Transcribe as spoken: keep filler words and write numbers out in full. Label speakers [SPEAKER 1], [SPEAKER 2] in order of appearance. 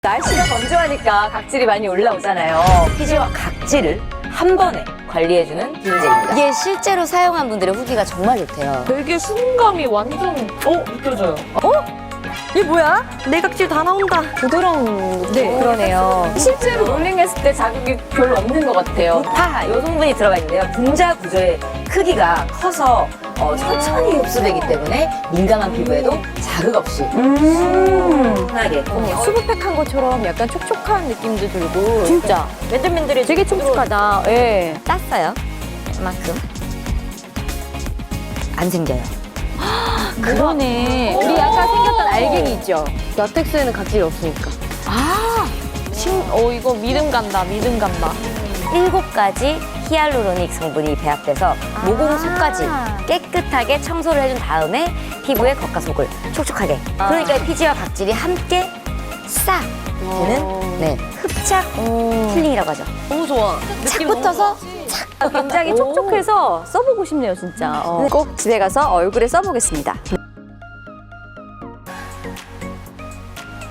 [SPEAKER 1] 날씨가 건조하니까 각질이 많이 올라오잖아요. 피지와 각질을 한 번에 관리해주는 비누젤입니다.
[SPEAKER 2] 이게 실제로 사용한 분들의 후기가 정말 좋대요.
[SPEAKER 3] 되게 수분감이 완전 어? 느껴져요.
[SPEAKER 4] 이게 뭐야? 내 각질 다 나온다.
[SPEAKER 3] 부드러운
[SPEAKER 1] 네,
[SPEAKER 2] 그러네요.
[SPEAKER 1] 실제로 롤링했을 때 자극이 별로 없는 것 같아요. 파하, 이 성분이 들어가 있는데요. 분자 구조의 크기가 커서 어, 천천히 흡수되기 때문에 민감한 피부에도 자극 없이
[SPEAKER 4] 음.
[SPEAKER 1] 편하게
[SPEAKER 4] 수분팩한 것처럼 약간 촉촉한 느낌도 들고.
[SPEAKER 2] 진짜
[SPEAKER 4] 맨들맨들해. 되게 촉촉하다. 예.
[SPEAKER 2] 땄어요. 이만큼. 안 생겨요.
[SPEAKER 4] 그러네. 우리 아까 생겼던 알갱이 있죠?
[SPEAKER 3] 라텍스에는 각질이 없으니까.
[SPEAKER 4] 아.
[SPEAKER 3] 신, 어 이거 믿음 간다. 믿음 간다.
[SPEAKER 2] 일곱 가지 히알루로닉 성분이 배합돼서 모공 속까지 깨끗하게 청소를 해준 다음에 피부의 겉과 속을 촉촉하게. 그러니까 피지와 각질이 함께 싹 되는 네, 흡착 힐링이라고 하죠.
[SPEAKER 3] 너무 좋아.
[SPEAKER 2] 착 붙어서
[SPEAKER 4] 굉장히 촉촉해서 써보고 싶네요, 진짜. 어. 꼭 집에 가서 얼굴에 써보겠습니다.